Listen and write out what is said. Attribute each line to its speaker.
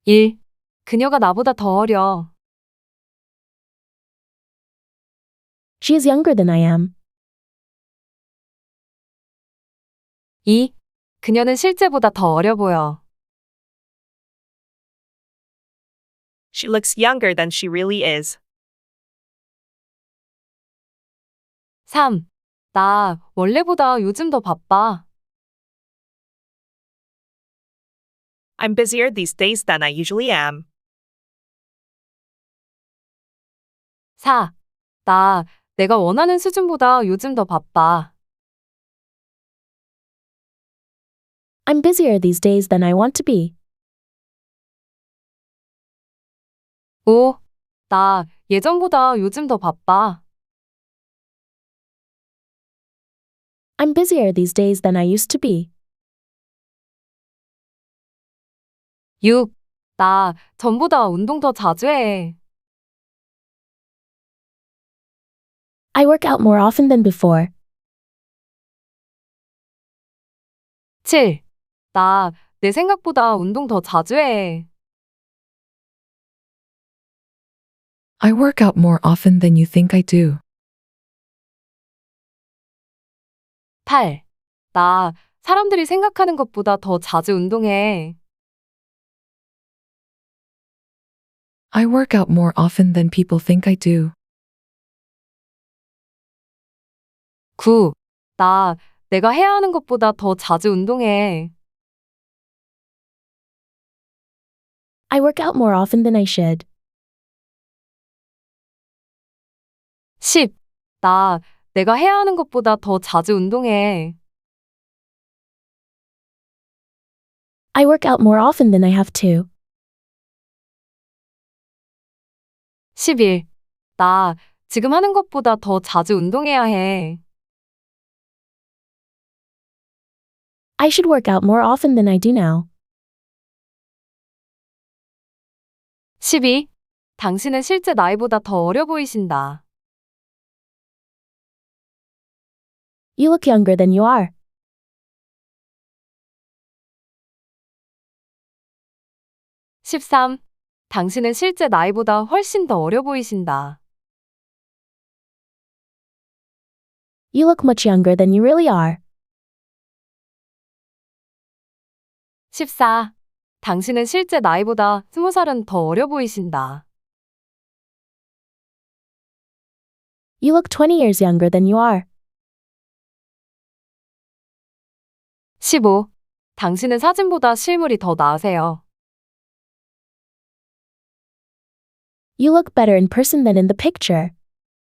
Speaker 1: 1. 그녀가 나보다 더 어려.
Speaker 2: She is younger than I am.
Speaker 1: 2. 그녀는 실제보다 더 어려 보여.
Speaker 3: She looks younger than she really is.
Speaker 1: 3. 나 원래보다 요즘 더 바빠.
Speaker 3: I'm busier these days than I usually am.
Speaker 1: 4. 내가 원하는 수준보다 요즘 더 바빠.
Speaker 2: I'm busier these days than I want to be.
Speaker 1: 5. 나 예전보다 요즘 더 바빠.
Speaker 2: I'm busier these days than I used to be.
Speaker 1: 6. 나 전보다 운동 더 자주 해.
Speaker 2: I work out more often than before.
Speaker 1: 7. 나 내 생각보다 운동 더 자주 해.
Speaker 4: I work out more often than you think I do.
Speaker 1: 8. 나 사람들이 생각하는 것보다 더 자주 운동해.
Speaker 4: I work out more often than people think I do.
Speaker 1: 9. 내가 해야 하는 것보다 더 자주 운동해.
Speaker 2: I work out more often than I should.
Speaker 1: 10. 내가 해야 하는 것보다 더 자주 운동해.
Speaker 2: I work out more often than I have to.
Speaker 1: 11. 나 지금 하는 것보다 더 자주 운동해야 해.
Speaker 2: I should work out more often than I do now.
Speaker 1: 12. 당신은 실제 나이보다 더 어려 보이신다.
Speaker 2: You look younger than you are.
Speaker 1: 13. 당신은 실제 나이보다 훨씬 더 어려 보이신다.
Speaker 2: You look much younger than you really are.
Speaker 1: 14. 당신은 실제 나이보다 20살은 더 어려 보이신다.
Speaker 2: You look 20 years younger than you are.
Speaker 1: 15. 당신은 사진보다 실물이 더 나으세요.
Speaker 2: You look better in person than in the picture.